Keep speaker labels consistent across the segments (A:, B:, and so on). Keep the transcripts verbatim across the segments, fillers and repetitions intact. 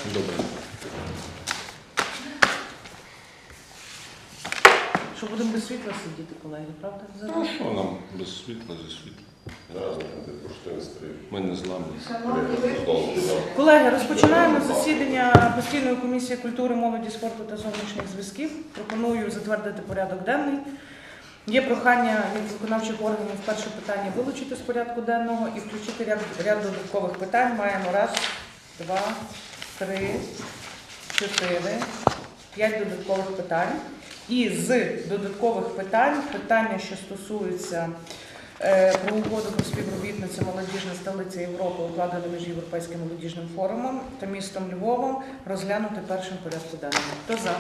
A: Добре.
B: Що будемо без світла сидіти, колеги, правда?
A: А що нам без світла, зі світла?
C: Зараз не поштин стоїть.
A: Ми не зламні.
B: Колеги, розпочинаємо засідання постійної комісії культури, молоді, спорту та зовнішніх зв'язків. Пропоную затвердити порядок денний. Є прохання від виконавчих органів перше питання вилучити з порядку денного і включити ряд, ряд додаткових питань. Маємо раз, два, три, чотири, п'ять додаткових питань. І з додаткових питань, питання, що стосуються е, про угоду про співробітницю молодіжна столиця Європи, укладену між Європейським молодіжним форумом та містом Львовом, розглянути першим порядку денному. Хто за?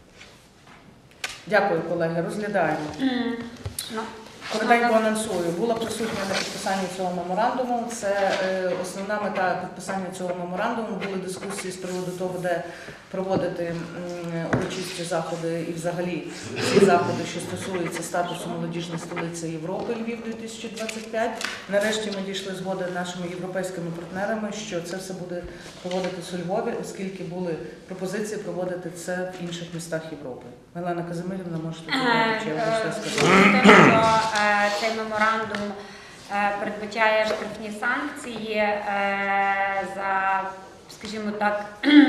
B: Дякую, колеги. Розглядаємо.
D: Mm. No.
B: Коротенько анонсую. Була присутня на підписанні цього меморандуму. Це е, основна мета підписання цього меморандуму. Були дискусії з приводу того, де проводити м, урочисті заходи і взагалі всі заходи, що стосуються статусу молодіжної столиці Європи Львів дві тисячі двадцять п'ять. Нарешті ми дійшли згоди з нашими європейськими партнерами, що це все буде проводитися у Львові, оскільки були пропозиції проводити це в інших містах Європи. Мелана Казимирівна, можете додати, чи я вам щось сказати?
D: Цей меморандум передбачає штрафні санкції за, скажімо так,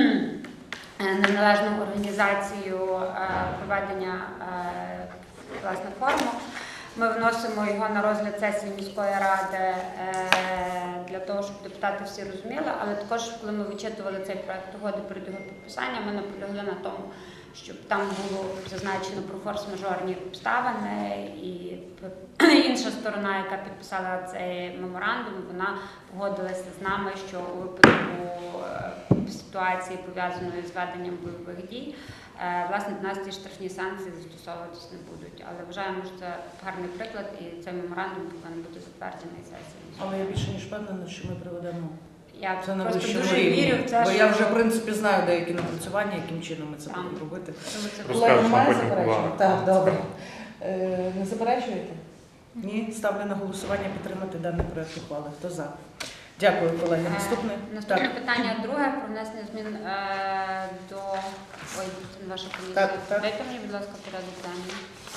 D: неналежну організацію проведення власне форуму. Ми вносимо його на розгляд сесії міської ради для того, щоб депутати всі розуміли, але також, коли ми вичитували цей проект угоди перед його підписанням, ми наполягли на тому, щоб там було зазначено про форс-мажорні обставини, і інша сторона, яка підписала цей меморандум, вона погодилася з нами, що у випадку ситуації, пов'язаної з веденням бойових дій, власне, до нас ці штрафні санкції застосовуватись не будуть. Але вважаємо, що це гарний приклад, і цей меморандум повинен бути затверджений сесією.
B: Але я більше ніж впевнена, що ми приведемо.
D: Я
B: Це на
D: просто
B: вищому
D: дуже
B: рівні.
D: вірю в це,
B: Бо
D: що...
B: я вже, в принципі, знаю деякі напрацювання, яким чином ми це
D: Там.
B: будемо робити.
D: Тому
B: Колеги,
D: це...
B: немає заперечень? Так, добре. Е, не заперечуєте? Ні? Ставлю на голосування підтримати даний проект ухвали. Хто за? Дякую, колеги. Наступне?
D: Е, Наступне
B: Так.
D: питання друге про внесення змін е, до... Ой, це не ваша комісія.
B: Так, так.
D: Дайте мені, будь ласка, порядок денний.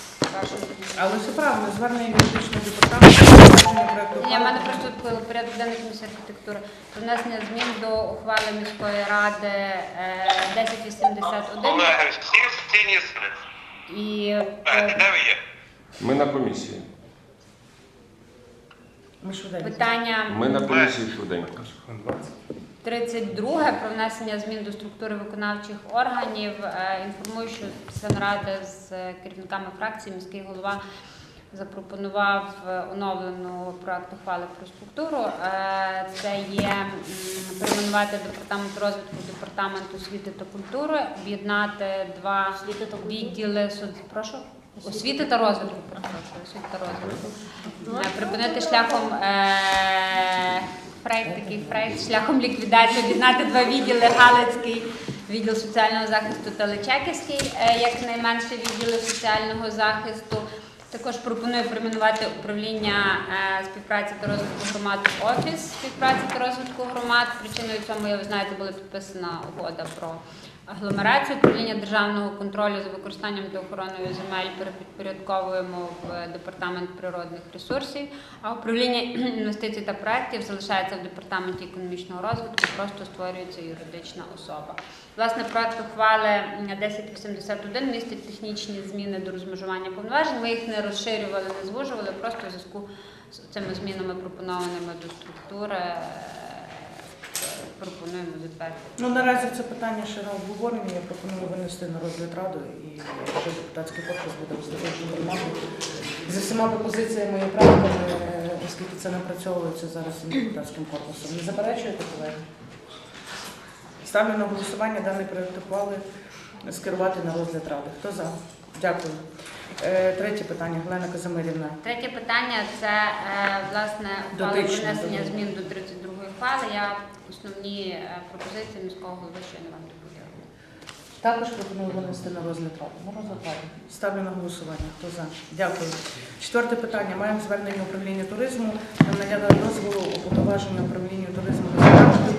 B: Але все правильно, звернення юридичного департаменту, затвердження проекту
D: Ні, в
B: ухвали.
D: мене просто порядок денний комісії архітектури. Про внесення змін до ухвали міської ради е, десять вісімдесят один.
E: Колеги, всі сині сни.
D: І
E: Де
D: е,
E: ви є?
A: Ми на комісії.
B: Ми швиденько.
D: питання
A: Ми на комісії швиденько.
D: тридцять друге про внесення змін до структури виконавчих органів. Е, Інформую, що після наради з керівниками фракції міський голова запропонував оновлену проект ухвали про структуру. Е, Це є м, перейменувати департамент розвитку в департамент освіти та культури, об'єднати два відділи соц- Прошу? Освіти та розвитку. перепрошую, Освіти та розвитку. Е, Припинити шляхом е, фрейд, такий фрейд, шляхом ліквідації, об'єднати два відділи: Галицький відділ соціального захисту та Личаківський, е, як найменше відділи соціального захисту. Також пропоную перейменувати управління е, співпраці та розвитку громад в офіс співпраці та розвитку громад. Причиною цьому, як ви знаєте, була підписана угода про агломерацію. Управління державного контролю за використанням та охороною земель перепідпорядковуємо в департамент природних ресурсів, а управління інвестицій та проєктів залишається в департаменті економічного розвитку, просто створюється юридична особа. Власне, проект ухвали десять вісімдесят один містить технічні зміни до розмежування повноважень. Ми їх не розширювали, не звужували, просто в зв'язку з цими змінами, пропонованими до структури, пропонуємо затвердити.
B: Ну, наразі це питання ще на обговоренні. Я пропоную винести на розгляд ради, і якщо депутатський корпус буде висловлювати громаду зі всіма пропозиціями і правками, оскільки це напрацьовується зараз і депутатським корпусом. Не заперечуєте, колеги? Ставлю на голосування даний проект ухвали скерувати на розгляд ради. Хто за? Дякую. Е, Третє питання. Галина Казимирівна.
D: Третє питання – це, е, власне, ухвала про
B: Дотично,
D: внесення
B: добре.
D: змін до тридцять другої ухвали. Я основні е, пропозиції міського голови щойно вам доповіла.
B: Також пропоную винести на розгляд ради. На розгляд ради. Ставлю на голосування. Хто за? Дякую. Четверте питання. Маємо звернення управління туризму на надання дозволу уповноваження управління туризму Господарського економічного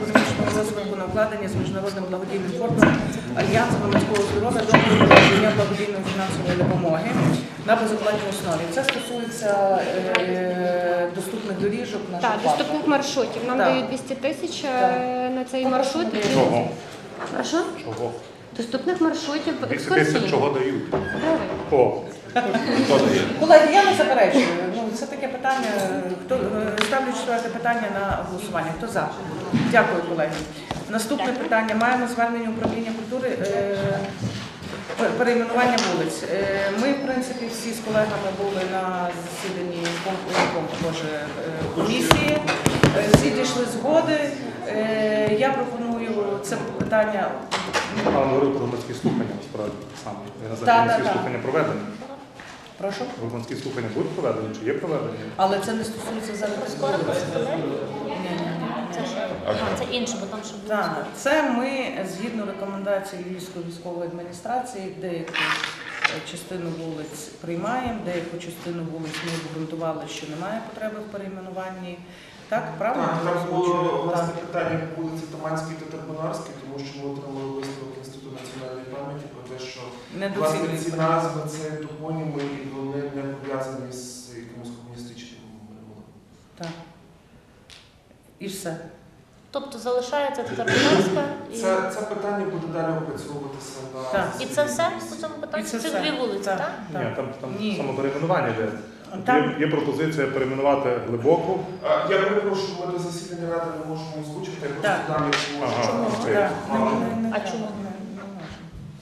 B: розвитку на вкладення з міжнародним благодійним фондом Альянсу громадського здоров'я до надання благодійної фінансової допомоги на безоплатній основі. Це стосується е, доступних доріжок наших
F: Так,
B: парків.
F: доступних маршрутів. Нам
B: Так.
F: дають двісті тисяч е, на цей маршрут.
G: Чого?
F: Прошу?
G: Чого?
F: Доступних маршрутів
G: двісті тисяч
F: екскурсійних.
G: чого дають?
F: Гривень.
G: О,
A: Хто дає?
B: Колеги, я не заперечую. Ну, це таке питання. Хто е, ставлю четверте питання на голосування. Хто за? Дякую, колеги. Наступне питання. Маємо звернення управління культури. Е, пер- перейменування вулиць. Е, Ми, в принципі, всі з колегами були на засіданні ком- ком- Боже, е, комісії. Е, Всі дійшли згоди. Е, Я пропоную це питання.
G: а говорив про громадські слухання, насправді, саме. Я не
B: Так,
G: знаю,
B: так,
G: громадські
B: так.
G: слухання проведені.
B: Прошу.
G: Громадські слухання будуть проведені, чи є проведені?
B: Але це не стосується зараз.
H: Скоро представляє?
B: Ні, ні, ні.
H: Це що?
A: А
H: А, це інше, бо там ще буде.
B: Так, це ми згідно рекомендацій Львівської військової адміністрації, деяку е, частину вулиць приймаємо, деяку частину вулиць ми обґрунтували, що немає потреби в перейменуванні. Так, правильно?
I: Так, там було
B: озвучую?
I: власне
B: Так.
I: питання по вулиці Таманській та Тарбунарській, тому що ми отримали висновок Інституту національної пам'яті про те, що власне
B: Недоцільність.
I: ці назви це топоніми і вони не пов'язані з якимось комуністичним минулим.
B: Так. І все.
H: Тобто залишається Татарбунарська і...
I: Це, це питання буде далі опрацьовуватися на
B: Так.
H: І це все по цьому питанню?
B: І це
H: Це
B: все.
H: дві вулиці,
B: Так.
H: так?
G: Ні, там, там
B: Ні.
G: саме перейменування йде.
B: Там-
G: Є, є пропозиція перейменувати глибоку.
I: А, Я перепрошую, ми до засідання ради не можемо озвучити, я просто
B: Так.
I: дам, якщо можна.
G: Ага,
H: Чому?
G: окей.
B: Так. Не- не- не
H: А
B: треба.
H: чому?
B: Не- не можна.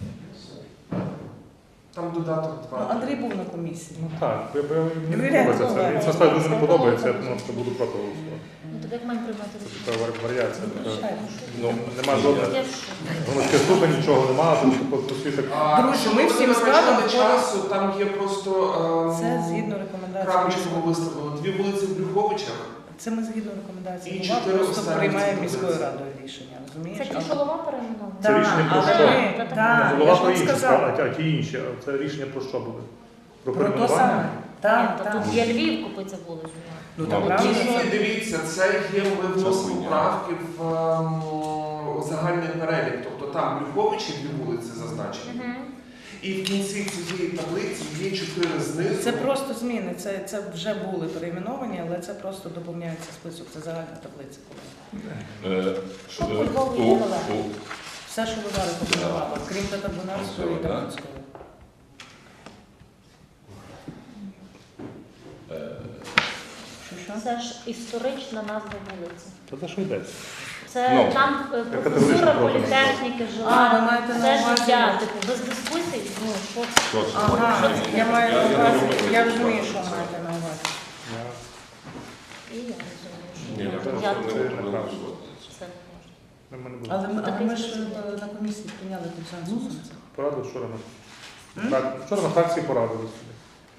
I: Там додаток
B: Ну,
I: два.
B: Андрій був на комісії.
G: Ну так, я, я, мені не
B: Юрія
G: подобається це.
B: Коваля.
G: Мені це насправді дуже не подобається, я думаю, що буду проти голосувати.
H: Ну, так як маємо приймати
G: Це
H: рішення?
G: така вар- варіація. така.
B: Звичайно.
G: Ну, нема жодних
H: Я в шокі.
G: громадських слухань, нічого немає, тому що по світі так.
I: А,
B: Друзі,
I: щоб
B: ми
I: ви
B: всім
I: не
B: складом
I: втрачали
B: входимо-
I: часу, там є просто ем,
B: Це згідно рекомендацій.
I: крапочку виставили. Дві вулиці в Брюховичах.
B: Це ми згідно рекомендацій.
I: І
B: Голова
I: чотири
B: просто
I: останні
B: приймає
I: ці
B: міською
I: вулиці.
B: радою рішення, розумієш?
H: Це ті,
B: А-
H: що голова перейменована?
G: Це рішення про
B: але
G: що?
B: ми-
H: Та так.
B: так,
G: Голова
B: я ж
G: про
B: вам
G: інше,
B: сказала.
G: а ті інші. А це рішення про що буде? Про
B: Про то
G: перейменування?
B: саме.
H: Ні,
B: Так,
H: то
B: так.
H: тут є Львів купиться вулицю.
B: Ну,
A: Ну,
B: так,
A: от
B: правильно.
I: Ні,
B: це-
I: дивіться, це є, ми вносимо
A: хуйня.
I: правки в ем, загальний перелік. Тобто там Брюховичі дві вулиці зазначені.
H: Угу.
I: І в кінці цієї таблиці є чотири знизу.
B: Це просто зміни. Це, це вже були перейменовані, але це просто доповняється список. Це загальна таблиця.
A: Е,
H: Що
A: е,
H: по Львову
A: у-
H: є нове?
A: у-
B: Все, що ви зараз пропонували, крім Татарбунарської і
A: Так.
B: Тарбунської. Що, що?
H: Це ж історична назва вулиці.
G: Та за що йдеться?
H: Це
A: Ну,
H: там е,
G: категорично
H: професура
G: проти
H: політехніки
B: А,
H: жила.
B: ви маєте на
H: Це
B: увазі-
H: життя, типу, без дискусій. Ну, що це?
A: Що це?
B: Ага, я маю на
A: Я- я
B: увазі,
A: думаю,
B: я
A: що
B: розумію,
A: це.
B: що маєте на увазі.
G: Я-
H: І я розумію, що
A: Ні, я
H: я
A: просто
H: я
A: не
H: тут
G: це
A: можу
G: неправильно.
A: голосувати за це.
H: це не можу.
G: Ми мене буде.
B: Але, ми- але
H: Такий
B: ми ж
H: спосіб.
B: е, на комісії прийняли консенсус. на це.
G: Порадили вчора на
B: М?
G: так, вчора на фракції порадили собі.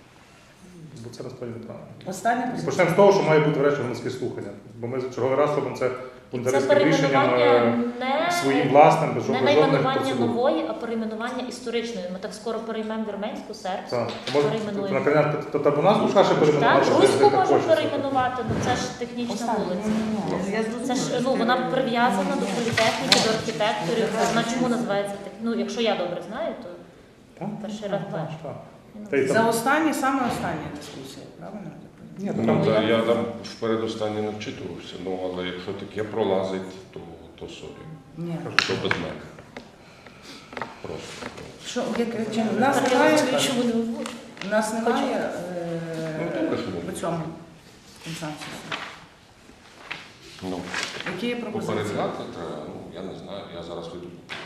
G: Бо це насправді неправильно.
B: Останнє
G: І
B: позиція.
G: почнемо з того, що має бути врешті громадське слухання. Бо ми черговий раз робимо це
H: І це
G: бунтаристським рішенням
H: перейменування
G: е,
H: не,
G: своїм власним, без
H: не
G: жодних
H: найменування
G: процедур.
H: нової, а перейменування історичної. Ми так скоро переймемо вірменську, сербську.
G: Так, може,
H: перейменуємо.
G: на коня Татарбунарську ще перейменувати.
H: Так,
G: що
H: руську
G: ви так
H: можемо
G: хочете.
H: перейменувати, ну це ж технічна
B: Останнє.
H: вулиця.
B: Ні-ні-ні, я
H: Це ж
B: зрозуміла,
H: ну
B: що
H: вона
B: ти-
H: прив'язана до політехніки, до архітекторів. Вона чому називається так? Ну, якщо я добре знаю, то
G: Так?
H: перший раз
G: Так,
H: бачу.
G: так. Та й
B: За
G: там-
B: останні, саме останні дискусії, правильно?
G: Ні, то
A: Ну,
G: там
A: та я там впередостаннє не вчитувався, ну але якщо таке пролазить, то, то собі.
B: Ні.
A: То без мене. Просто.
B: Що, як, чим? Нас
H: Так, я
B: немає,
H: розумію, чому не озвучу.
B: нас немає
A: Ну,
B: е,
A: добре, що
B: по
A: буде.
B: цьому консенсусу.
A: Ну,
B: Які є пропозиції?
A: попереджати треба, ну я не знаю, я зараз вийду.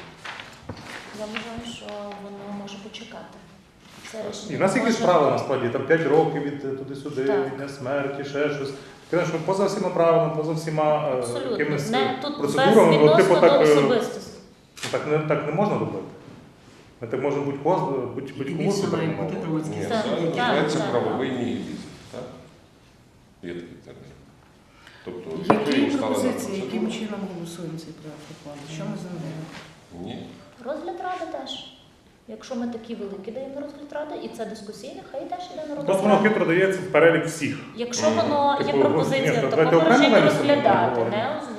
H: Я вважаю, що воно може почекати. Це
G: І
H: рішення
G: в нас якісь
H: може-
G: правила насправді, там п'ять років від е, туди-сюди,
H: Так.
G: від дня смерті, ще щось. Таке, що поза всіма правилами, поза всіма е,
H: Абсолютно.
G: якимись
H: Не, тут без
G: процедурами, ну,
H: відносно
G: типу,
H: до
G: так, е,
H: особистості.
G: ну, так, не, так не можна робити. Ми так можемо будь-кого, будь, будь-кому супермовити.
A: Ні,
H: Так,
A: це
H: так,
A: називається
H: так.
A: правовий нігілізм, так? Є такий термін. Тобто, якщо
B: Які
A: йому стала
B: пропозиції,
A: на
B: яким
A: процедуру-
B: чином голосуємо цей проект ухвали? Що ми з ним робимо?
A: Ні.
H: Розгляд ради теж. Якщо ми такі великі даємо на розгляд ради, і це дискусійне, хай теж йде на розгляд
G: Просто воно
H: ради.
G: хитро дається в перелік всіх.
H: Якщо воно є
G: Типу, ні,
H: пропозиція
G: то давайте
H: такого
G: окремо
H: режиму
G: винесемо,
H: розглядати,
G: говоримо.
H: не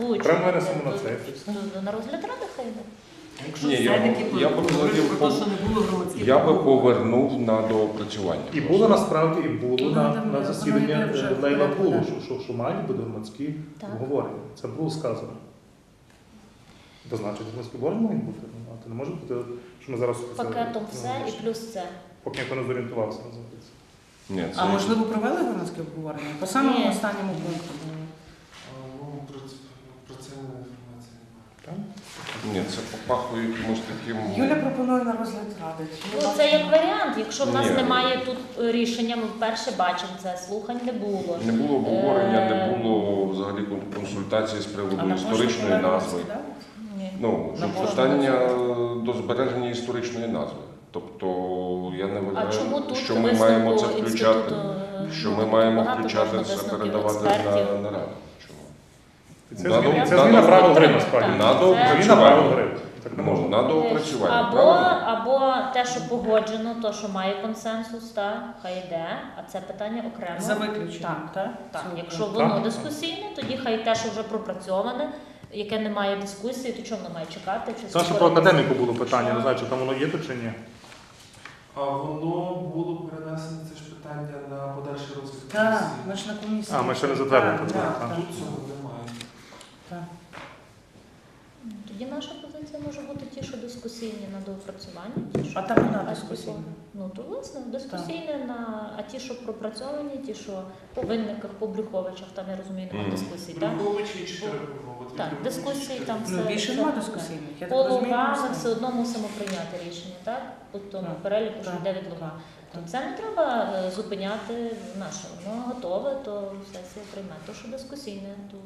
G: Окремо
H: озвучувати,
G: винесемо на
H: то-
G: це. і все.
H: то на розгляд ради хай йде.
J: Якщо
A: Ні, я
J: все-таки
A: б- я б
J: говорити
A: взагалі
J: про те,
A: пов-
J: що не було громадських
A: Я би
J: обговорень.
A: повернув на доопрацювання.
G: І було насправді, і було
B: Ну,
G: на,
B: там,
G: на
B: воно
G: засіданні
B: йде вже
G: е,
B: в
G: Лейла
B: порядку,
G: було,
B: так.
G: що, що, що мають бути громадські
H: Так.
G: обговорення. Це було сказано. То значить, громадські обговорення мають бути. Ну, а то не може бути, що ми зараз це-
H: Пакетом
G: ну,
H: все і плюс це.
G: поки ніхто не зорієнтувався, називається.
A: Ні, це
B: А можливо провели громадське обговорення? По самому
H: Ні.
B: останньому пункту.
I: А, Ну, про це, про це інформації немає.
G: Так?
A: ні, це попахує якимось таким.
B: Юля пропонує на розгляд ради.
H: Ну, це як варіант. Якщо в нас
A: Ні.
H: немає тут е, рішення, ми вперше бачимо це, слухань не було.
A: Не було обговорення,
H: Е,
A: не було взагалі кон- консультації з
B: А
A: приводу
B: на
A: історичної
B: пошту
A: назви.
B: да?
H: Ні.
A: Ну,
B: На пошту
A: питання до збереження історичної назви. Тобто я не
H: А
A: вважаю,
H: чому тут
A: що ми
H: висновку
A: маємо це включати,
H: інституту, е,
A: що
H: ну,
A: ми
H: тут
A: маємо
H: багато
A: включати
H: можна
A: це,
H: висновків
A: передавати
H: експертів.
A: на, на раду. Чому?
G: І Це
A: Надо-
G: зміна, це
A: надо-
G: зміна правил гри,
H: Так,
G: насправді.
A: На
H: це-
A: доопрацювання.
G: Зміна правил гри. Так не
A: Ну,
G: можна.
A: на доопрацювання,
H: Або,
A: правильно?
H: або те, що погоджено, то, що має консенсус, та, хай йде, а це питання окремо.
B: За виключенням, так?
H: Так,
B: Цього
H: якщо
B: пункту.
H: воно
G: Так.
H: дискусійне, тоді хай те, що вже пропрацьоване, яке не має дискусії, то чому воно має чекати? Чи
G: Це ще про
H: створити-
G: академіку було питання, не знаю, чи там воно є тут чи ні.
I: А воно було перенесено, це ж питання на подальший розгляд
B: Так,
I: комісії.
B: ми ж на комісії.
G: А, ми ще не затвердили,
B: Так,
G: так,
B: так,
G: так.
B: так.
I: Тут цього немає.
B: Так.
H: Тоді наша позиція може бути ті, що дискусійні на доопрацювання. Ті, що
B: А там вона
H: а,
B: дискусійна.
H: Ну, то власне дискусійне на а ті, що пропрацьовані, ті, що по винниках, по Брюховичах, там я розумію, немає
A: Мгм.
H: дискусій, так?
I: Брюхович і чотири Брюхович.
H: Так, дискусії там
B: Ну,
H: все.
B: більше
H: все-
B: нема дискусійних. Я
H: По
B: так розумію,
H: лугам
B: все.
H: ми все одно мусимо прийняти рішення, так? По тому
B: Так,
H: переліку, що
B: так,
H: йде від луга. То це не треба е, зупиняти наше. Воно готове, то сесія прийме. То, що дискусійне, то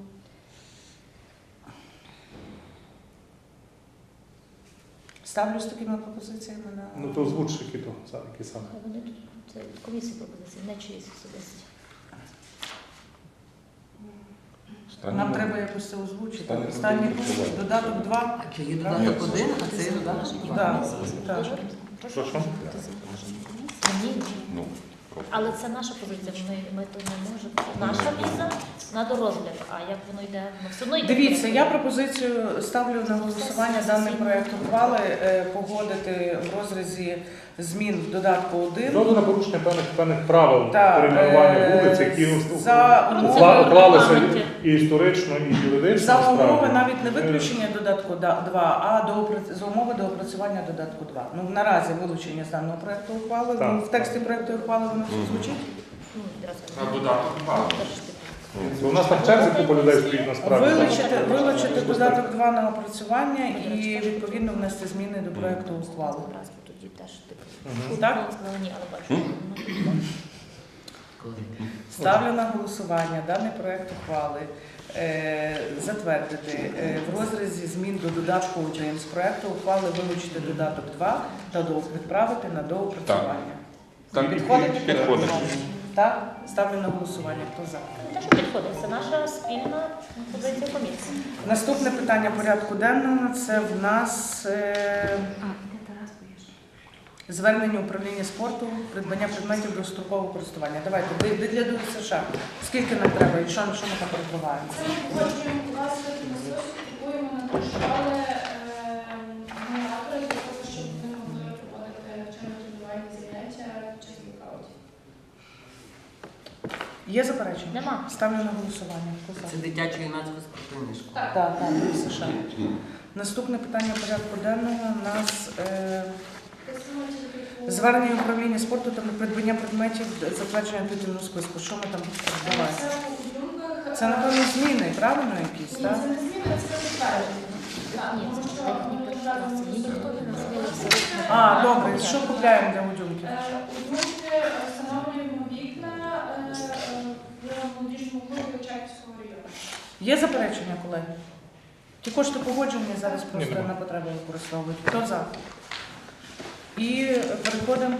B: Ставлю з такими пропозиціями на...
G: Ну то озвуч, які то, са- які саме.
H: хай вони тут це від комісії пропозиції, не чиїсь особисті.
A: Стані
B: Нам
A: на-
B: треба якось це озвучити.
A: Стані
B: Останній
A: на
B: пункт,
A: голосування.
B: додаток два.
J: А чи є додаток один, а це є додаток два?
B: Так, так.
G: Що, що?
H: Ні,
A: Ну,
H: але це наша позиція. Ми, ми то не можемо. Наша віза на дорозгляд. А як воно йде? Ну, все одно йде.
B: Дивіться, я
H: вперед.
B: пропозицію ставлю на голосування даний проект ухвали е, погодити в розрізі змін в додатку один.
G: Зроду на порушення певних певних правил
B: Так,
G: перейменування
B: е,
G: вулиць, які
B: за
G: укла-
B: умови
G: уклалися
H: регламентів.
G: і історично, і юридично.
B: За умови
G: насправді.
B: навіть не
G: Е,
B: виключення додатку два, а доопра- за умови до опрацювання додатку два. Ну наразі вилучення з даного проекту ухвали.
G: Так.
B: Ну, в тексті проекту ухвали воно все звучить.
H: Ну, відразу.
I: А додаток два.
H: Теж типу.
G: Бо у нас там черзі купа людей стоїть насправді.
B: Вилучити, вилучити додаток два на опрацювання і відповідно внести зміни до проекту ухвали.
H: Раз, бо тоді теж типу.
G: Мгм.
B: Так?
H: Сказала ні, але бачу.
J: Коли?
B: Ставлю на голосування даний проект ухвали е, затвердити е, в розрізі змін до додатку один з проекту ухвали вилучити додаток два та до- відправити на доопрацювання.
A: так,
B: Підходить?
A: підходить.
B: Так? Ставлю на голосування. Хто за?
H: Не те, що підходить, це наша спільна позиція комісії.
B: Наступне питання порядку денного це в нас е, звернення управління спорту, придбання предметів дострокового користування. Давайте, ви, ви для ДЮСШ. Скільки нам треба і що, що ми там придбаваємо?
K: Це ми погоджуємо власне насос, купуємо на дошкали генератори для того, щоб вони могли проводити навчально-тренувальні заняття під час блокаутів.
B: Є заперечення?
H: Нема.
B: Ставлю на голосування. Хто за?
J: Це дитячо-юнацька спортивна школа.
K: Так.
B: Так, так, ДЮСШ. Наступне питання порядку денного у нас е, звернення управління спорту та придбання предметів затвердження титульного списку. Що ми там придбаваємо?
K: Це у Люмках.
B: Це, напевно, зміни, правильно якісь,
K: Ні,
B: так?
K: це не зміни, це підтвердження. Так,
H: Ні,
K: тому
H: це
K: що
H: техніка
K: ми
H: класу.
K: зараз
H: Ні, ніхто не назвав абсолютно.
B: А, добре, що купляємо для удюмків?
K: Е, у Люмки встановлюємо вікна е, е, в молодіжному клубі Очаківського району.
B: Є заперечення, колеги? Ті кошти погоджені зараз просто
G: Ні, нема.
B: на потреби використовують. Хто за? І переходимо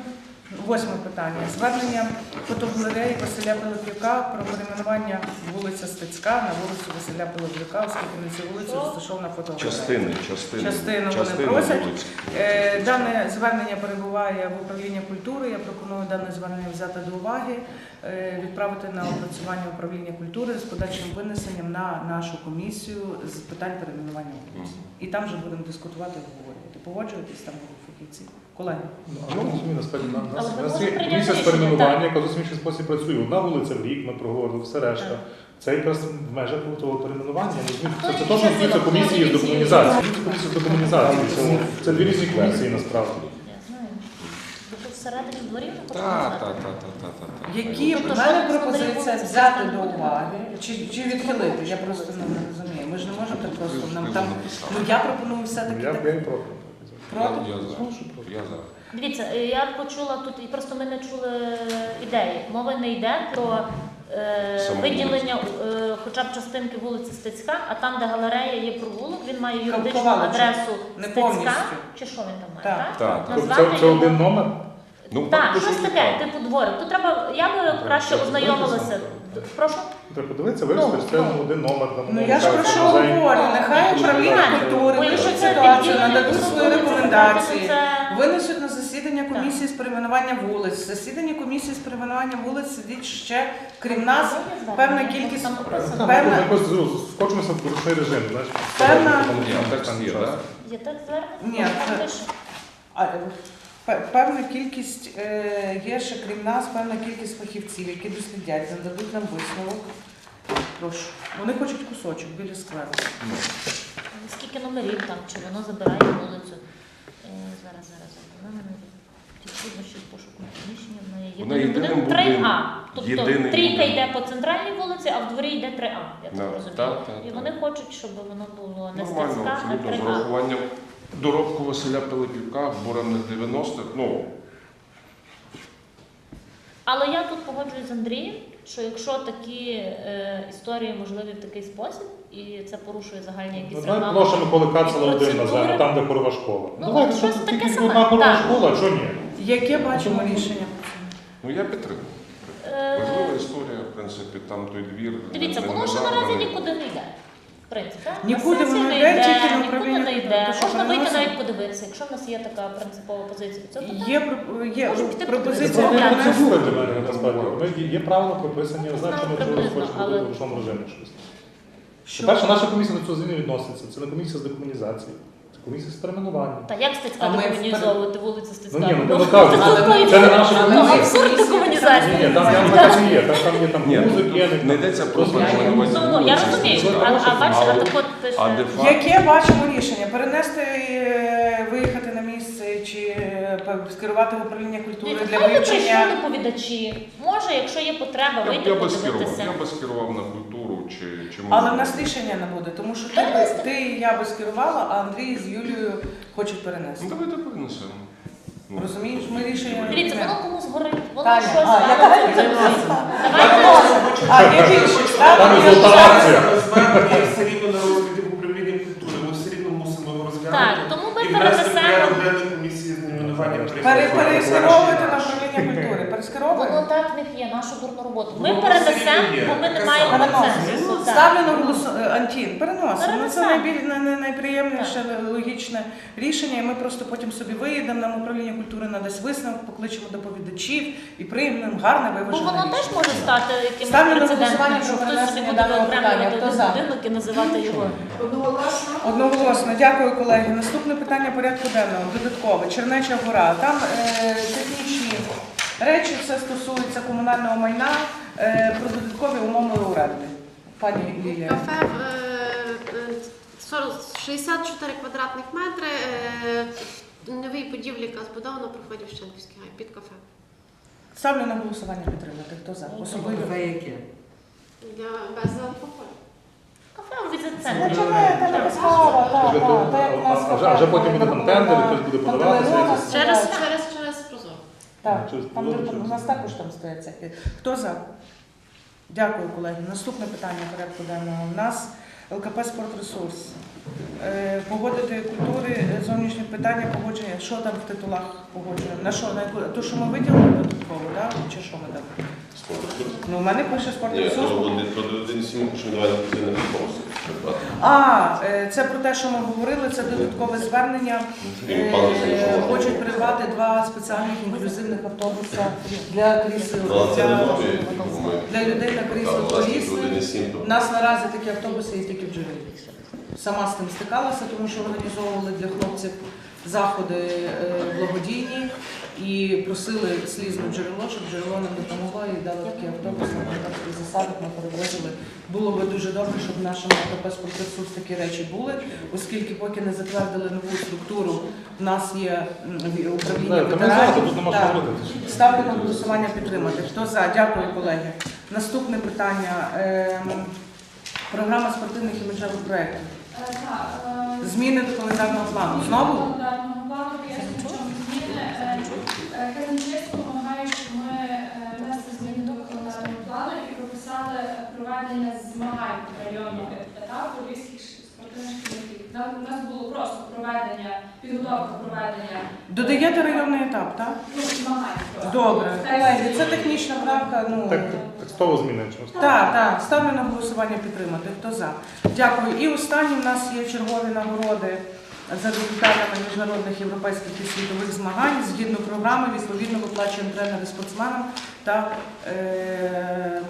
B: Восьме питання. Звернення фотогалереї Василя Пилипюка про перейменування вулиця Стецька на вулицю Василя Пилипюка, оскільки на цій вулиці розташована фотогалерея.
A: Частини, частини.
B: Частину вони
A: частини
B: просять.
A: вулиць.
B: Е, Дане звернення перебуває в управлінні культури. Я пропоную дане звернення взяти до уваги, е, відправити на опрацювання управління культури з подальшим винесенням на нашу комісію з питань перейменування вулиць. І там вже будемо дискутувати і обговорювати. Погоджуєтесь там фахівці? Колеги?
G: Ну, а ми розуміємо, насправді, на-
H: Але
G: нас-
H: ми
G: у нас
H: можемо
G: є
H: прийняти
G: комісія з
H: рішення,
G: перейменування,
H: так.
G: яка зовсім інший спосіб працює. Одна вулиця в рік, ми проговорили, все решта.
H: Так.
G: Це якраз в межах того перейменування. розумієте?
H: Хто
G: Це, це
H: є
G: теж стосується
H: ініціатива?
G: комісії з
H: Хто
G: декомунізації.
H: ініціює?
G: Комісія з декомунізації. Це, це дві різні комісії насправді.
H: Я знаю. Ви тут всередині дворів не хочете
A: Так,
H: знати?
A: так, так, так, так, так.
B: Які
H: Тобто,
B: в мене
H: що
B: пропозиція
H: вулиці
B: взяти
H: Стецька
B: до
H: не буде?
B: уваги чи, чи відхилити? Я просто ну, не розумію. Ми ж не можемо так просто нам там. Ну я пропоную все-таки
G: Я,
B: так.
G: я і проти.
B: Проти?
A: Я за. Я за.
H: Дивіться, е, я почула тут, і просто ми не чули ідеї. Мова не йде про е,
A: Саму
H: виділення е, хоча б частинки вулиці Стецька, а там, де галерея є провулок, він має юридичну
B: Ковалича.
H: адресу
B: Не
H: Стецька,
B: повністю.
H: чи що він там має,
B: Так.
H: так?
A: Так, так.
G: Тобто це, це
H: його-
G: один номер?
A: Ну,
H: Так,
A: по
H: щось
A: суті,
H: таке,
A: так.
H: типу дворик. Тут треба, я би краще ознайомилася. Прошу?
G: Треба подивитися, вивести,
H: Ну,
G: що це
H: ну.
G: один номер. Там,
B: Ну я ж про що
G: музей.
B: говорю? Нехай управління
H: Правильно.
B: культури
H: Бо якщо
B: вирішить
H: це
B: ситуацію,
H: відділення
B: нададуть свої
H: вулиці,
B: рекомендації,
H: це-
B: винесуть на засідання комісії з перейменування вулиць. В засіданні комісії з перейменування вулиць сидить ще, крім нас, певна кількість.
H: Там написано.
G: Там
B: Певна-
G: ми якось скочимося в ручний режим. Знаєш,
B: Певна-
G: там
A: Ні,
G: там
A: текст є,
G: час.
A: так?
H: Є так звернення?
B: Ні,
H: Там
B: це-
H: пише.
B: А, пе- Певна кількість е, є ще, крім нас, певна кількість фахівців, які дослідять, нададуть нам висновок. Прошу. Вони хочуть кусочок біля скверу.
H: Скільки номерів там, чи воно забирає вулицю? Е, Зараз, зараз, зараз. Вона мене ті труднощі з пошуком приміщення. В неї
A: Вона
H: єдиний
A: єдиним
H: будинок три А.
A: будинком.
H: Тобто
A: Єдиний
H: трійка
A: будинок.
H: йде по центральній вулиці, а в дворі йде три А. Я так
A: Да,
H: розумію.
A: так, так,
H: І
A: так.
H: вони хочуть, щоб воно було не
A: Нормально,
H: Стецька, а
A: абсолютно,
H: три
A: з
H: А.
A: урахуванням доробку Василя Пилипюка, буремних дев'яностих, ну,
H: Але я тут погоджуюсь з Андрієм, що якщо такі е, історії можливі в такий спосіб, і це порушує загальні
G: Ну,
H: якісь
G: давай
H: регламенти,
G: площа Миколи Кацела один
H: процедури.
G: назвемо, там, де хорова школа.
H: Ну,
G: Давай,
H: от
G: що
H: щось таке
G: тільки
H: саме.
G: одна хорова
H: Так.
G: школа, а що ні?
B: Яке бачимо рішення?
A: ну я підтримую.
H: Е,
A: Важлива історія, в принципі, там той двір.
H: Дивіться,
A: не-
H: воно
A: не
H: ж наразі
A: зарваний.
H: нікуди не йде. В принципі, так?
B: Нікуди
H: На сесії
B: воно
H: не
B: йде,
H: йде,
B: тільки на
H: нікуди
B: управління
H: не
B: культури.
H: йде.
B: То, що
H: Можна вийти
B: переносимо?
H: навіть подивитися, якщо в нас є така принципова позиція. Це питання.
B: Є, про- є
H: Можемо піти
G: Це
B: пропозиція
H: подивитися.
G: не
B: перенести.
G: процедура для мене насправді. Ми- Є правила прописані, я знаю, що ми
H: Приблизно,
G: можливо хочемо
H: але-
G: в ручному режимі щось.
B: Що?
G: По-перше, наша комісія до цього зміни відноситься. Це не комісія з декомунізації, це комісія з перейменування.
H: Та як Стецька
B: А ми
H: декомунізовувати вулицю Стецька?
G: Ну ні, ну не кажуть,
H: це-
G: це не наша
B: Але
G: комісія.
B: ми-
H: Абсурд декомунізації.
G: Ні, там там така є, там там є там
A: Ні,
G: музики,
A: не йдеться про перейменування
H: Ну, ну, я
A: вулиці
H: розумію,
A: Стецька.
H: а, а бачите,
A: Але-
H: а так от
A: А де
H: пише.
A: факт?
B: Яке бачимо рішення? Перенести, е, виїхати на місце чи е, пе- скерувати в управління культури
H: Дивіться,
B: для
H: хай би прийшли
B: вивчення?
H: доповідачі. Може, якщо є потреба,
A: Я,
H: вийти
A: я би скерував,
H: подивитися.
A: я би скерував на культуру чи, чи
B: Але в
A: музику.
B: нас рішення не буде, тому що ти, би- ти і я би скерувала, а Андрій з Юлією хочуть перенести.
A: Ну давайте перенесемо. Ну.
B: Розумієш, ми рішення не
H: Дивіться,
B: приймемо.
H: воно комусь горить, воно
B: Таня,
H: щось
B: а, я
H: зараз
B: так
H: зробить.
B: Давайте. А, є більшість, так?
G: Там
B: Я
G: результат.
B: ж-
G: Акція.
I: Звернення все рівно на розгляді в управлінні культури. Ми все рівно мусимо його розглянути.
H: Так, тому ми
I: і внести в порядок
H: перенесемо.
I: денний комісії з найменування
B: Пере- Перескеровувати на управління культури.
H: Воно
B: Перескеровуємо?
H: так в них є, нашу дурну роботу. Ми
I: Воно
H: перенесемо,
I: все рівно є.
H: бо ми не
I: Таке
H: маємо
I: саме.
H: консенсусу. так.
B: Ставлю на голосування. Антін, переносимо. Ну, це
H: Перенесемо.
B: найбіль- най- най- найприємніше, логічне рішення, і ми просто потім собі виїдемо, нам управління культури надасть висновок, покличемо доповідачів і приймемо гарне
H: Бо
B: виважене
H: воно теж
B: рішення.
H: може стати якимось
B: Ставлю на
H: прецедентом,
B: голосування
H: що
B: про
H: хтось собі
B: перенесення
H: буде
B: даного
H: виокремлювати
B: питання. Хто
H: один
B: за?
H: будинок і називати його.
K: Одноголосно.
B: Одноголосно, дякую, колеги. Наступне питання порядку денного. Додаткове. Чернеча гора. Там е, технічні речі, все стосується комунального майна, е, про додаткові умови оренди. Пані Лілія.
L: Кафе е, е, сорок шістдесят чотири квадратних метри, е, новій будівлі, яка збудована, проходить в Шенківський гай під кафе.
B: Ставлю на голосування підтримати. Хто за? Особливо.
J: Кафе яке?
L: Для без алкоголю.
H: Кафе у
B: Ну,
H: візит-центрі.
B: чому це не без кава? Так, так, так, як у нас
G: А вже- а вже потім буде там тендер, і хтось буде
B: на
G: подаватися,
B: Пантелеймона
G: якось.
L: Через,
B: стоять.
L: через, через прозоро.
B: Так,
G: Через
B: там
G: Прозоро,
B: де-
G: через-
B: у нас також там стоять всякі. Хто за? Дякую, колеги. Наступне питання порядку денного. У нас ЛКП «Спортресурс». Е, Погодити культури, зовнішнє питання погодження. Що там в титулах погоджуємо? На що? На яку? То, що ми виділили додатково, так? Чи що ми там? Ну, у мене пише спорт
C: Ні,
B: ресурс.
C: то один то один сім, що давай на позиційне відомості придбати.
B: А, е, це про те, що ми говорили, це додаткове звернення. Е, Хочуть придбати два спеціальних інклюзивних автобуса для крісел.
C: Ну, а це не
B: Для,
C: нові, ми
B: для людей на крісло
C: там, власне,
B: колісних.
C: один сім,
B: У
C: то
B: нас наразі такі автобуси є тільки в Джерелі. Сама з тим стикалася, тому що організовували для хлопців заходи е, благодійні і просили слізне джерело, щоб джерело нам допомогло і дали такі автобуси на таких засадах, ми перевозили. Було би дуже добре, щоб в нашому АТП «Спортресурс» такі речі були, оскільки поки не затвердили нову структуру, в нас є м, управління
G: Так, та ми за,
B: ветеранів.
G: тут нема що
B: Так.
G: говорити.
B: Ставлю на голосування підтримати. Хто за? Дякую, колеги. Наступне питання. Ем, Програма спортивних і менших проєктів.
K: Е, Так, е,
B: Зміни до календарного плану. Знову?
K: календарного плану, пояснюю, в чому зміни. Е, е, Казначейство вимагає, щоб ми е, внесли зміни до календарного плану і прописали проведення змагань районного етапу львівських спортивних комітетів. Нам у нас було просто проведення, підготовка проведення
B: Додаєте районний етап, так?
K: ну, змагань. просто.
B: Добре.
K: В
B: Колеги,
K: тексті-
B: це технічна правка. Ну,
G: Так, текстово змінюємо. чомусь.
B: так, так. Ставлю на голосування підтримати. Хто за? Дякую. І останні в нас є чергові нагороди за результатами міжнародних європейських і світових змагань. Згідно програми, відповідно, виплачуємо тренери спортсменам та е,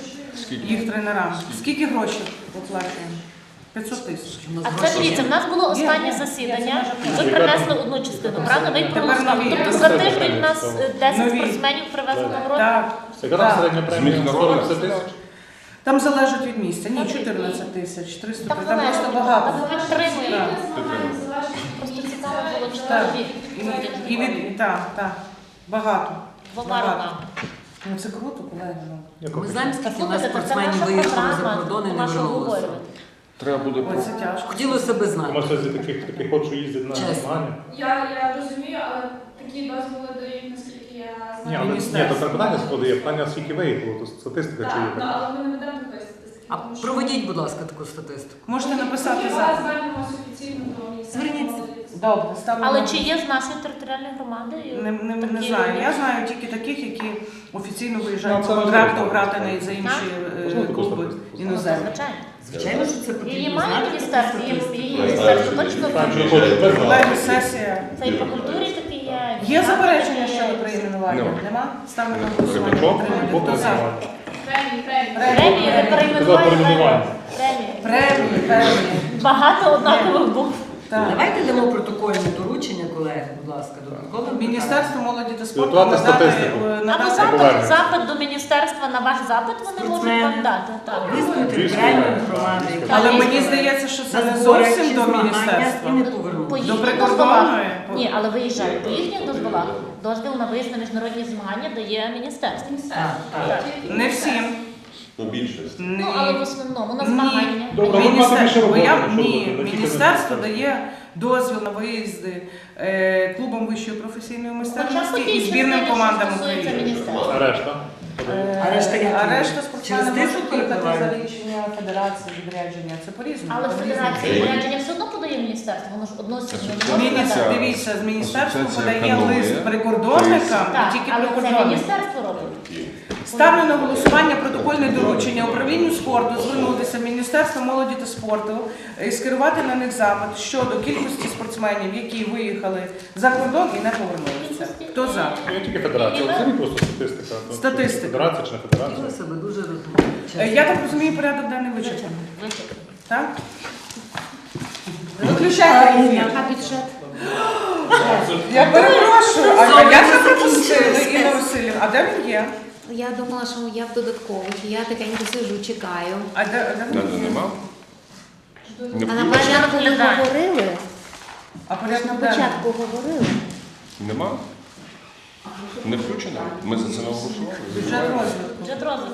B: їх тренерам. Скільки грошей виплачуємо? п'ятсот тисяч.
H: А це дивіться, в нас було останнє
B: Є, є.
H: засідання,
B: Є,
H: і ви принесли одну частину, правда? Ви їх
B: Тепер
H: проголосували.
B: нові.
H: Тобто за тиждень в нас е, десять
B: Нові.
H: спортсменів привезли нагороди.
B: Так.
G: Яка там
B: Так.
G: середня
A: З
G: премія?
A: міжнародних
G: сто п'ятдесят тисяч?
B: Там залежить від місця. Ні, чотирнадцять тисяч, триста.
H: Там
B: Там
H: залежить.
B: просто багато.
H: Там ми підтримуємо.
K: Змагання залежить від
H: Просто
K: місця.
H: цікаво було, чи
B: Так.
H: нові.
B: І, і від, так, так. Багато.
H: Двома
B: Багато.
H: роками.
B: Ну це круто, колеги. Ну.
G: Яку?
J: Ми знаємо, скільки у нас
H: Слухайте, це
J: спортсменів
H: наша
J: виїхали за
H: програма,
J: кордон і не
H: наша
J: вернулися.
H: обговорювати.
A: Треба буде
B: Ой, це тяжко.
J: Хотілося би знати.
G: Тому що з таких, таких хочу їздити на
J: Чесно.
G: змагання.
K: Я, я розумію, але такі дозволи дають, наскільки я
G: Ні,
K: знаю.
G: але ні,
B: Міністерство.
G: то це питання складає, питання скільки виїхало, то статистика чи є
K: Так, ну,
G: така.
K: але ми не ведемо такої статистики.
J: А
K: тому що
J: проведіть, будь ласка, таку статистику.
B: Можете написати
K: Ми
B: за.
K: звернемося офіційно до міністерства.
J: Зверніться.
K: молоді.
B: Добре, ставлю.
H: Але
B: на-
H: чи є з нашої територіальної громади?
B: Не, не, не
H: такі
B: знаю.
H: люди?
B: Я знаю тільки таких, які офіційно
G: Ну,
B: виїжджають
G: це
B: по контракту
G: важливо.
B: грати на за інші е,
G: Можна таку
B: клуби
G: статистику?
B: іноземні.
H: Звичайно.
J: Звичайно, що це потрібно.
H: Її має
J: знати,
H: міністерство,
J: таку
H: її
J: статистику.
H: її міністерство точно
G: Так,
H: знає.
G: що хочете, так.
B: Колеги, сесія.
H: Це і по культурі такі є. і
B: Є
H: по
B: заперечення
H: є.
B: щодо перейменування?
A: Нема.
B: Нема? Ставлю на голосування.
G: Рибачок,
B: Підтримати.
G: Бог
B: Хто за?
G: називає.
K: Премії, премії.
H: Премії, ви
G: Казав
H: перейменували
G: перейменування.
H: премії.
B: Премії, премії.
H: Багато однакових букв.
B: Так.
J: Давайте дамо протокольне доручення, колеги, будь ласка, додаткове.
B: Міністерство молоді та спорту
G: Підготувати
B: надати,
G: статистику.
B: е,
H: Або
B: надати
H: запит,
G: повернення.
H: запит до міністерства на ваш запит вони можуть
J: Спортсмени.
H: вам дати. Так.
J: Визнати
G: Звісно,
J: територіальної
G: так.
J: громади. яка
B: Але
H: Але
B: мені
J: виїхала
B: здається, що це
J: на
B: не
J: збори
B: зовсім
J: чи
B: до
J: змагання
B: міністерства.
J: І не
H: По
J: повернувся.
H: їхніх
B: прикордонної?
H: дозволах.
B: По-
H: Ні, але виїжджають. По їхніх дозволах дозвіл на виїзд на міжнародні змагання дає міністерство.
K: Міністерство.
J: Так, так.
B: Не всім.
C: Ну, більшість.
H: Ну, але в основному на
B: Ні.
H: змагання.
G: Добре, ви
B: Міністер-
G: маєте більше
B: бо я-
G: роботи, що
B: Ні,
G: робити? Не тільки
B: міністерство
G: на-
B: дає дозвіл на виїзди е, клубам вищої професійної
H: Хоча
B: майстерності
H: по тій
B: і збірним
H: частині,
B: командам
H: що стосується
B: України.
H: міністерства.
G: А решта?
B: Е,
J: А решта як?
B: а решта спортсмени
J: Через
B: можуть
J: тиску
B: їхати за
J: перебувають?
B: рішення федерації, відрядження. Це по-різному.
H: Але
B: по-різному.
H: федерація відрядження все одно подає міністерство, воно ж односиться.
B: Міністр, дивіться, з міністерства
A: Асоціація
B: подає
A: економії.
B: лист прикордонникам
H: Так,
B: і тільки
H: але це
B: прикордонникам.
H: міністерство робить.
B: Ставлю на голосування протокольне доручення управлінню спорту звернутися в Міністерство молоді та спорту і скерувати на них запит щодо кількості спортсменів, які виїхали за кордон і не повернулися. Хто за?
G: Ну, не тільки федерація, але це не просто статистика. То
B: Статистика.
G: чи Федерація чи не федерація?
J: Хотілося би дуже
B: Е,
J: розуміти.
B: Я так розумію, порядок денний вичерпаний.
H: Вичерпано.
B: Так? Виключайте ефір.
F: А бюджет?
B: Я перепрошую, а як ви пропустили, Інна Васильівна? А де він є?
F: Я думала, що я в додаткових. Я тихенько сижу, чекаю.
B: А де, а де він
A: Надо
B: є?
A: нема? Не
F: А на
A: включено?
F: початку ви говорили?
B: А
F: Ви ж
B: порядок
F: на
B: денний?
F: початку говорили.
A: Нема? Не включено? Ми за це не голосували?
B: Бюджет розвитку.
H: Бюджет розвитку.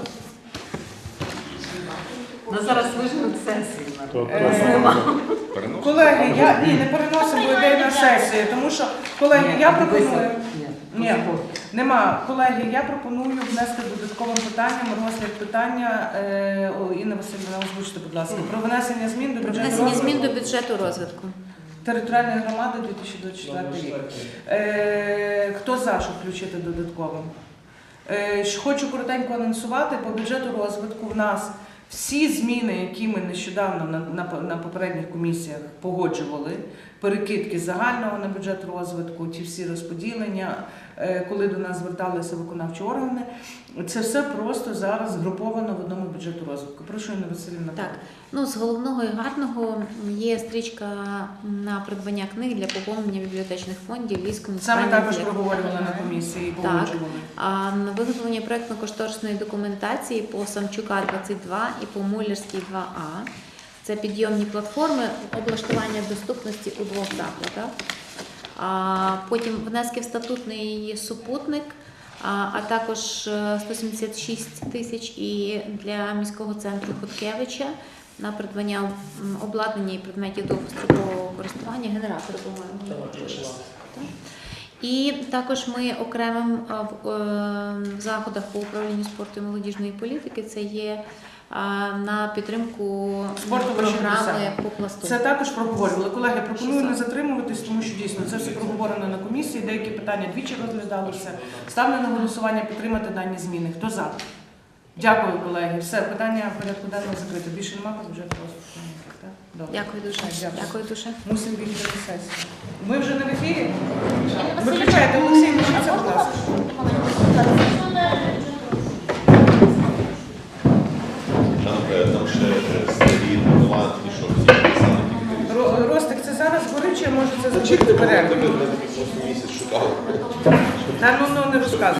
J: Нас зараз виженуть сесії.
G: То-
B: Е,
A: Переносимо?
B: Колеги, я ні, не переносимо бо йде на сесію, тому що, колеги, я пропоную. Ні, нема. Колеги, я пропоную внести додатковим питанням розгляд питання, е, о, Інна Васильівна, озвучте, будь ласка, про внесення змін до
F: Про
B: бюджету
F: внесення
B: розвитку.
F: змін до бюджету розвитку.
B: Територіальної громади дві тисячі двадцять четвертий рік. Е, хто за, щоб включити додатковим? Е, ж хочу коротенько анонсувати, по бюджету розвитку в нас всі зміни, які ми нещодавно на, на, на попередніх комісіях погоджували, перекидки загального на бюджет розвитку, ті всі розподілення, е, коли до нас зверталися виконавчі органи, це все просто зараз згруповано в одному бюджету розвитку. Прошу, Інна Василівна.
F: Так, ну з головного і гарного є стрічка на придбання книг для поповнення бібліотечних фондів Львівської
B: Саме
F: муніципальної
B: також
F: бібліотеки.
B: проговорювали на комісії і погоджували.
F: А на виготовлення проєктно-кошторисної документації по Самчука двадцять два і по Муллерській два А. Це підйомні платформи, облаштування доступності у двох закладах. А потім внески в статутний супутник, а, а також сто сімдесят шість тисяч і для міського центру Хоткевича на придбання м, обладнання і предметів довгострокового користування, генератори, по-моєму. Так. І також ми окремим а, в, е, в заходах по управлінню спорту і молодіжної політики це є а, на підтримку
B: Спорту вищих
F: програми
B: досягнень.
F: по пласту.
B: Це також проговорювали. Колеги, пропоную не затримуватись, тому що дійсно це все проговорено на комісії, деякі питання двічі розглядалися. Ставлю на голосування підтримати дані зміни. Хто за? Дякую, колеги. Все, питання порядку денного закрито. Більше немає по бюджету розвитку. Так? Добре.
F: Дякую дуже.
B: Дякую.
F: Дякую дуже.
B: Мусимо бігти на сесію. Ми вже не в ефірі? Виключайте, Олексій, лишіться, будь ласка.
C: Там, е, там ще е, старі новатні, що всі писали.
B: Ро- Ростик, це зараз горить, чи може це зробити перерву?
C: Ми такий просто місяць шукали.
B: Та ну, ну не розказуй.